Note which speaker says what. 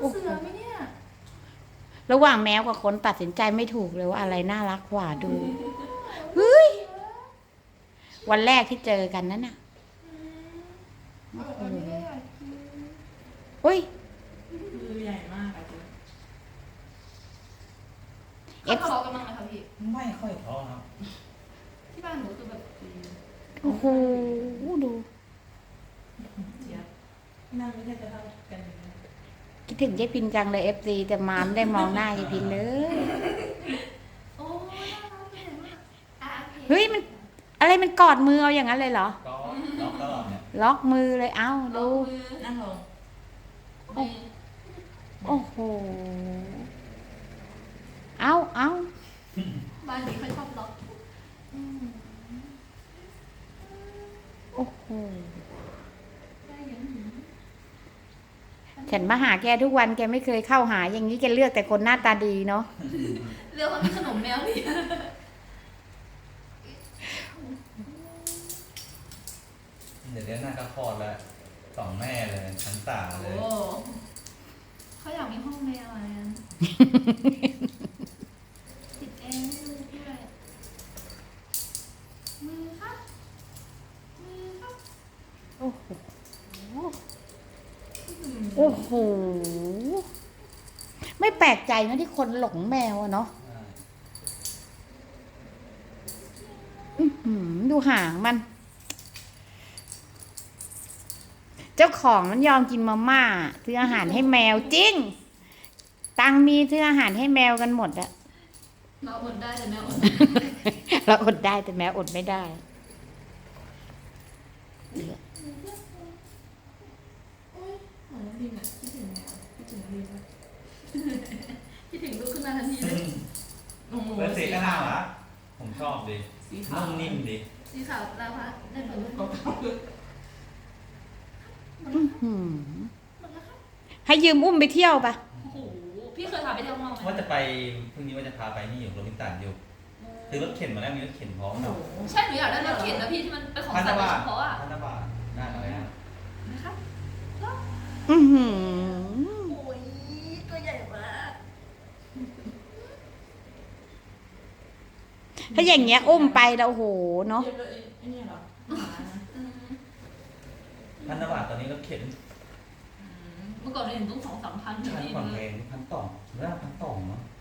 Speaker 1: เสือไหมเนี่ย
Speaker 2: ระหว่างแมวกับคนตัดสินใจไม่ถูกเลยว่าอะไรน่ารักกว่าดูเฮ้ยวันแรกที่เจอกันนั่นน่ะอุ้ย
Speaker 1: มือใหญ่มากอะ
Speaker 2: เอฟ
Speaker 1: เขาทะเลาะกันบ้างไหมคะพี่
Speaker 3: ไม่ค่อยท้อครับ
Speaker 1: ที่บ้านหนูคือแบบ
Speaker 2: โอ้โหดู
Speaker 1: เจี๊ยบนั่งไม่ได้จะเท่ากันนะ
Speaker 2: คิดถึงยายพินจังเลยFCแต่มาไม่ได้มองหน้ายายพินเลย
Speaker 1: โอ้ยน่ารักเลยมาก
Speaker 2: เฮ้ยมันอะไรมันกอดมือเอาอย่างนั้นเลยเหรอ
Speaker 3: ก็ล็อกตลอดเนี่ย
Speaker 2: ล็อกมือเลยเอ้าดู
Speaker 1: นั่งลง
Speaker 2: โอ้โหเอ้า
Speaker 1: บ้านนี้เขาชอบล็อก
Speaker 2: โอ้โหฉันมาหาแกทุกวันแกไม่เคยเข้าหาอย่างนี้แกเลือกแต่คนหน้าตาดีเนาะ
Speaker 1: เรื่องมันขนมแมวนี่
Speaker 3: เดี๋ยวหน้าก็คลอดแล้วสองแม่เลยชั้นตาเลย
Speaker 1: เขาอยากมีห้องแมวอะไรติดแอร์ให้ลูกด้วยมือครับ
Speaker 2: โอ้โหโอ้โหไม่แปลกใจนะที่คนหลงแมวอะเนาะดูหางมันเจ้าของมันยอมกินมาม่าซื้ออาหารให้แมวจริงตังมีซื้ออาหารให้แมวกันหมดอะ
Speaker 1: เราอดได้แต่แมวอด
Speaker 2: เราอดได้แต่แมวอดไม่ได้
Speaker 1: คิดถึงแมวคิดถึงลูกคิดถึงลูกขึ้นมาทันทีเลย
Speaker 3: โอ้โหเป็นสีก็น่ารักผมชอบดินุ่มนิ่มดิ
Speaker 1: สีขาวลาพัดได้ผลลูก
Speaker 2: ให้ยืมอุ้มไปเที่ยวปะ
Speaker 1: โอ้โหพี่เคยพาไปเที่ยวข้างนอกไหม
Speaker 3: ว่าจะไปพรุ่งนี้ว่าจะพาไปนี่อยู่โรบินสันอยู่คือรถเข็นมาแล้วมีรถเข็นพร้อมเนาะ
Speaker 1: ใช่หนูอยากได้รถเข็นนะพี่ที่มันเป็นของสัตว์โดยเฉพาะอ่ะ
Speaker 3: พันธบัตรได้อะไรนะ
Speaker 1: นะครับ
Speaker 2: โอ้
Speaker 1: ยตัวใหญ่มาก
Speaker 2: ถ้าอย่างเงี้ยอุ้มไปแล้วโหเนาะ
Speaker 3: พันธบัตรตอนนี้รถเข็น
Speaker 1: เมื่อก่อนเราเห็นต้อง2-3 พัน
Speaker 3: ใช่ก่อนแพง1,200แล้ว1,200เนาะ